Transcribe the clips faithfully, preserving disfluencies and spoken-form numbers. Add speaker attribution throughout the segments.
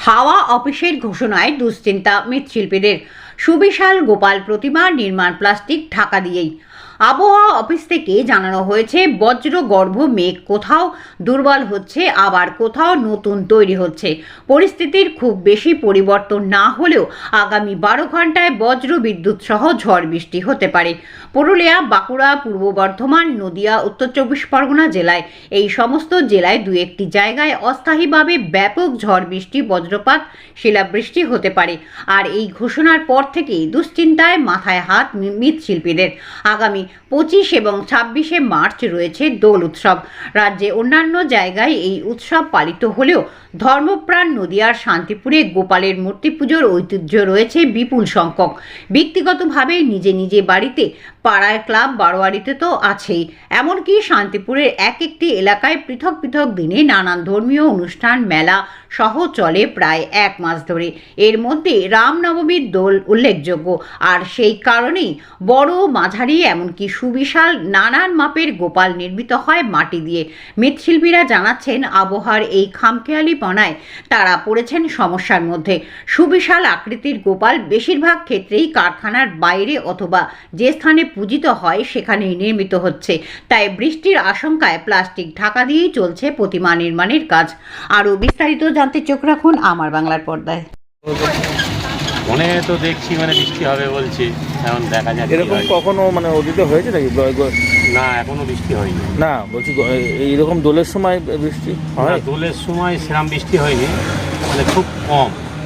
Speaker 1: হাওয়া অফিসের ঘোষণায় দুশ্চিন্তা মৃৎশিল্পীদের। সুবিশাল গোপাল প্রতিমা নির্মাণ প্লাস্টিক ঢাকা দিয়েই। আবহাওয়া অফিস থেকে জানানো হয়েছে, বজ্রগর্ভ মেঘ কোথাও দুর্বল হচ্ছে, আবার কোথাও নতুন তৈরি হচ্ছে। পরিস্থিতির খুব বেশি পরিবর্তন না হলেও আগামী বারো ঘন্টায় বজ্র বিদ্যুৎ সহ ঝড় বৃষ্টি হতে পারে। পুরুলিয়া, বাঁকুড়া, পূর্ব বর্ধমান, নদিয়া, উত্তর চব্বিশ পরগনা জেলায় এই সমস্ত জেলায় দু একটি জায়গায় অস্থায়ীভাবে ব্যাপক ঝড় বৃষ্টি, বজ্রপাত, শিলাবৃষ্টি হতে পারে। আর এই ঘোষণার পর থেকেই দুশ্চিন্তায় মাথায় হাত মৃৎশিল্পীদের। আগামী পঁচিশ এবং ছাব্বিশে মার্চ রয়েছে দোল উৎসব। রাজ্যে অন্যান্য জায়গায় এই উৎসব পালিত হলেও ধর্মপ্রাণ নদিয়ার শান্তিপুরে গোপালের মূর্তি পুজোর ঐতিহ্য রয়েছে বিপুল সংখ্যক। ব্যক্তিগতভাবে নিজে নিজে বাড়িতে, পাড়ায়, ক্লাব, বারোয়ারিতে তো আছেই। এমনকি শান্তিপুরের এক একটি এলাকায় পৃথক পৃথক দিনে নানান ধর্মীয় অনুষ্ঠান, মেলা সহ চলে প্রায় এক মাস ধরে। এর মধ্যে রামনবমীর দোল উল্লেখযোগ্য। আর সেই কারণেই বড়, মাঝারি, এমনকি সুবিশাল নানান মাপের গোপাল নির্মিত হয় মাটি দিয়ে। মৃৎশিল্পীরা জানাচ্ছেন, আবহাওয়ার এই খামখেয়ালিপনায় তারা পড়েছেন সমস্যার মধ্যে। সুবিশাল আকৃতির গোপাল বেশিরভাগ ক্ষেত্রেই কারখানার বাইরে অথবা যে স্থানে পূজিত হয় সেখানেই নির্মিত হচ্ছে। তাই বৃষ্টির আশঙ্কায় প্লাস্টিক ঢাকা দিয়েই চলছে প্রতিমা নির্মাণের কাজ। আরও বিস্তারিত জানতে চোখ রাখুন আমার বাংলার পর্দায়।
Speaker 2: মনে তো দেখছি মানে বৃষ্টি হবে বলছে, এখন দেখা যাক।
Speaker 3: এরকম কখনো মানে অতীত হয়েছে নাকি?
Speaker 2: না, এখনো বৃষ্টি হয়নি।
Speaker 3: না, বলছি এইরকম দোলের সময় বৃষ্টি হয়?
Speaker 2: দোলের সময় সেরকম বৃষ্টি হয়নি, মানে খুব কম।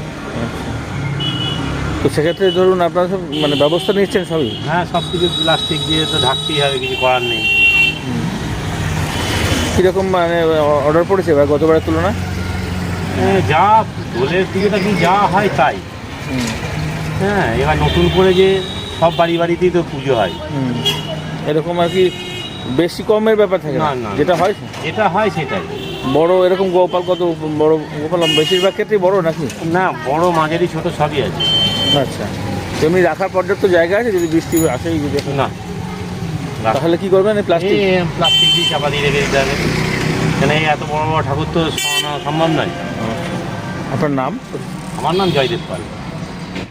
Speaker 3: তো সেক্ষেত্রে ধরুন আপনারা সব মানে ব্যবস্থা নিচ্ছেন সবই?
Speaker 2: হ্যাঁ, সব কিছু প্লাস্টিক দিয়ে তো ঢাকতেই হবে, কিছু করার নেই।
Speaker 3: কীরকম মানে অর্ডার পড়েছে এবার গতবারের তুলনায়?
Speaker 2: যা দোলের দিকে কি যা হয় তাই। হ্যাঁ, এবার নতুন করে যে সব বাড়ি বাড়িতেই তো পুজো হয়,
Speaker 3: এরকম আর কি বেশি কমের ব্যাপার থাকে না? না, যেটা হয়
Speaker 2: যেটা হয় সেটাই।
Speaker 3: বড় এরকম গোপাল কত বড় গোপাল বেশিরভাগ ক্ষেত্রেই বড় নাকি?
Speaker 2: না, বড়, মাঝারি, ছোট সবই আছে।
Speaker 3: আচ্ছা, এমনি রাখার পর্যাপ্ত জায়গা আছে যদি বৃষ্টি আসে?
Speaker 2: না।
Speaker 3: তাহলে কি করবেন? প্লাস্টিক
Speaker 2: প্লাস্টিক দিয়ে চাপা দিয়ে রেখে দিতে হবে, কেন এই এত বড় বড় ঠাকুর তো সরানো সম্ভব নয়।
Speaker 3: আপনার নাম?
Speaker 2: আমার নাম জয়দেব পাল।